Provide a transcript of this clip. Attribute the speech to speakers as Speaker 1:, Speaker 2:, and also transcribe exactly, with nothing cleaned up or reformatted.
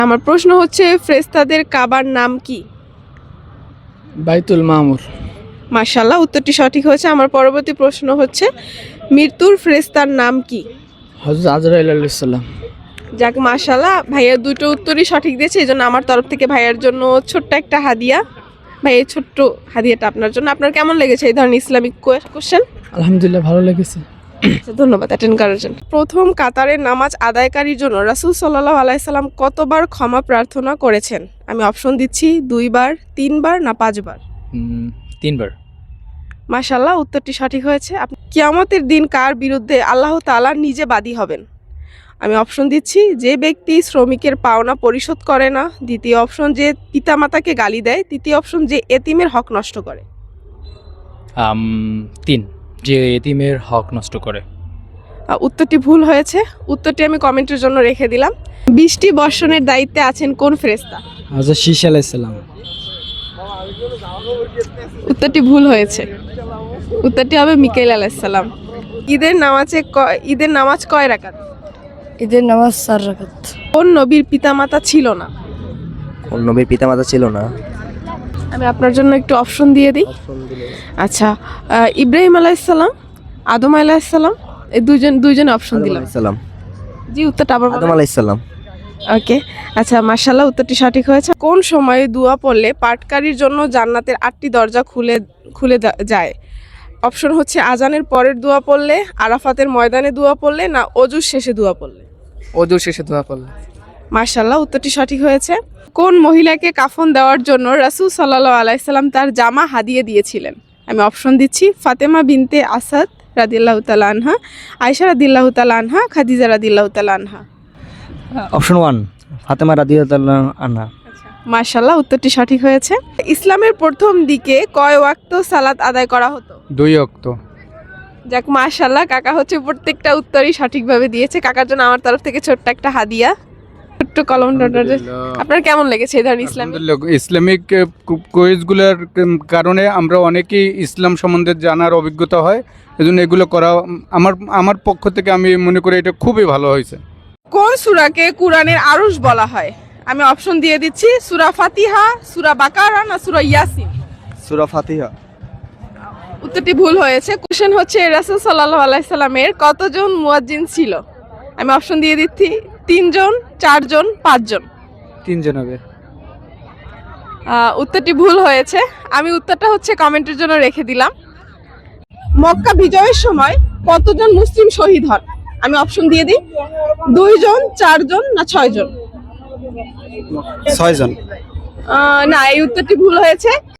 Speaker 1: আমার প্রশ্ন হচ্ছে ফেরেশতাদের কাবার নাম কি?
Speaker 2: বাইতুল মামুর।
Speaker 1: মাশাআল্লাহ, উত্তরটি সঠিক হয়েছে। আমার পরবর্তী প্রশ্ন হচ্ছে মৃত্যুর ফেরেশতার নাম কি?
Speaker 2: হযরত আজরাইল আলাইহিস সালাম।
Speaker 1: যাক, মাশাআল্লাহ, ভাইয়া দুটো উত্তরই সঠিক দিয়েছে, এই জন্য আমার তরফ থেকে ভাইয়ার জন্য ছোট্ট একটা হাদিয়া। ভাই, এই ছোট্ট হাদিয়াটা আপনার জন্য। আপনার কেমন লেগেছে এই ধরনের ইসলামিক কোশ্চেন?
Speaker 2: আলহামদুলিল্লাহ, ভালো লেগেছে।
Speaker 1: আচ্ছা, ধন্যবাদ অ্যাটেন্ড করার জন্য। প্রথম কাতারের নামাজ আদায়কারীর জন্য রাসূল সাল্লাল্লাহু আলাইহি সাল্লাম কতবার ক্ষমা প্রার্থনা করেছেন? আমি অপশন দিচ্ছি দুইবার, তিনবার না পাঁচবার।
Speaker 3: উম, তিনবার।
Speaker 1: মাশাআল্লাহ, উত্তরটি সঠিক হয়েছে। আপনি কিয়ামতের দিন কার বিরুদ্ধে আল্লাহ তাআলা নিজে বাদী হবেন? আমি অপশন দিচ্ছি যে ব্যক্তি শ্রমিকের পাওনা পরিশোধ করে না, দ্বিতীয় অপশন যে পিতামাতাকে গালি দেয়, তৃতীয় অপশন যে এতিমের হক নষ্ট করে।
Speaker 3: আম, তিন, যে এতিমের হক নষ্ট করে।
Speaker 1: আহ, উত্তরটি ভুল হয়েছে। উত্তরটি আমি কমেন্টের জন্য রেখে দিলাম। বৃষ্টি বর্ষণের দায়িত্বে আছেন কোন ফেরেশতা?
Speaker 2: হযরত শীশ আলাইহিস সালাম।
Speaker 1: উত্তরটি ভুল হয়েছে। উত্তরটি হবে মিকাইল আলাইহিস সালাম। ঈদের নামাজে ক- ঈদের নামাজ কয় রাকাত?
Speaker 4: ঈদের নামাজ চার রাকাত।
Speaker 1: কোন নবীর পিতামাতা ছিল না?
Speaker 5: কোন নবীর পিতামাতা ছিল না?
Speaker 1: আমি আপনার জন্য একটু অপশন দিয়ে দিই। আচ্ছা, আহ, ইব্রাহিম আলাইহিস সালাম, আদম আলাইহিস সালাম, এই দুইজন দুইজন অপশন দিলাম।
Speaker 5: সালাম।
Speaker 1: জি, উত্তরটা আবার
Speaker 5: আদম আলাইহিস সালাম।
Speaker 1: ওকে। আচ্ছা, মাশাআল্লাহ, উত্তরটি সঠিক হয়েছে। কোন সময়ে দোয়া পড়লে পাঠকারীর জন্য জান্নাতের আটটি দরজা খুলে খুলে দা- যায়? অপশন হচ্ছে আজানের পরের দোয়া পড়লে, আরাফাতের ময়দানে দোয়া পড়লে, না অজুর শেষে দোয়া পড়লে।
Speaker 2: ওযু শেষে দোয়া করলে।
Speaker 1: মাশাআল্লাহ, উত্তরটি সঠিক হয়েছে। কোন মহিলাকে কাফন দেওয়ার জন্য রাসূল সাল্লাল্লাহু আলাইহি সাল্লাম তার জামা হাদিয়ে দিয়েছিলেন? আমি অপশন দিচ্ছি ফাতেমা বিনতে আসাদ রাদিয়াল্লাহু তাআলা আনহা, আয়েশা রাদিয়াল্লাহু তাআলা আনহা, খাদিজা রাদিয়াল্লাহু তাআলা আনহা।
Speaker 5: অপশন ওয়ান, ফাতেমা রাদিয়াল্লাহু আনহা।
Speaker 1: মাশাআল্লাহ, উত্তরটি সঠিক হয়েছে। ইসলামের প্রথম দিকে কয় ওয়াক্ত সালাত আদায় করা হতো?
Speaker 2: দুই ওয়াক্ত।
Speaker 1: যাক, মাশাআল্লাহ, কাকা হচ্ছে প্রত্যেকটা উত্তরই সঠিকভাবে দিয়েছে। কাকার জন্য আমার তরফ থেকে ছোট্ট একটা হাদিয়া, ছোট্ট কলম ডটার। আপনার কেমন লেগেছে এই ধরনের ইসলামিক?
Speaker 6: আলহামদুলিল্লাহ, ইসলামিক কুইজগুলোর কারণে আমরা অনেকেই ইসলাম সম্বন্ধে জানার অভিজ্ঞতা হয়, এজন্য এগুলো করা আমার আমার পক্ষ থেকে আমি মনে করি এটা খুবই ভালো হয়েছে।
Speaker 1: কোন সূরাকে কোরআনের আরশ বলা হয়? আমি অপশন দিয়ে দিচ্ছি সূরা ফাতিহা, সূরা বাকারা, না সূরা ইয়াসিন।
Speaker 5: সূরা ফাতিহা।
Speaker 1: উত্তরটি ভুল হয়েছে। কোশ্চেন হচ্ছে রাসূল সাল্লাল্লাহু আলাইহি সাল্লামের কতজন মুয়াজ্জিন ছিল? আমি অপশন দিয়ে দিচ্ছি তিনজন, চারজন, পাঁচজন।
Speaker 2: তিনজন হবে।
Speaker 1: আহ, উত্তরটি ভুল হয়েছে। আমি উত্তরটা হচ্ছে কমেন্টের জন্য রেখে দিলাম। মক্কা বিজয়ের সময় কতজন মুসলিম শহীদ হন? আমি অপশন দিয়ে দিই দুইজন, চারজন, না ছয়জন।
Speaker 5: ছয়জন।
Speaker 1: আহ, না, এই উত্তরটি ভুল হয়েছে।